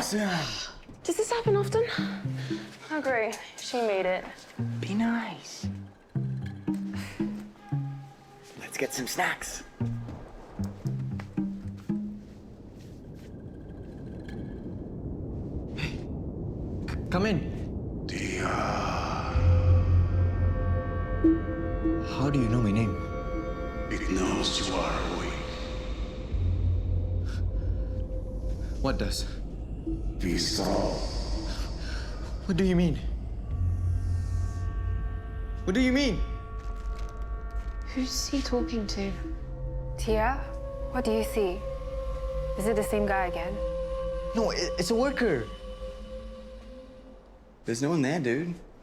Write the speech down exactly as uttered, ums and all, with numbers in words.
Does this happen often? Oh, great. She made it. Be nice. Let's get some snacks. Hey, c- come in. Dia. How do you know my name? It knows you are awake. What does? Visceral. What do you mean? What do you mean? Who's he talking to? Tia, what do you see? Is it the same guy again? No, it, it's a worker. There's no one there, dude.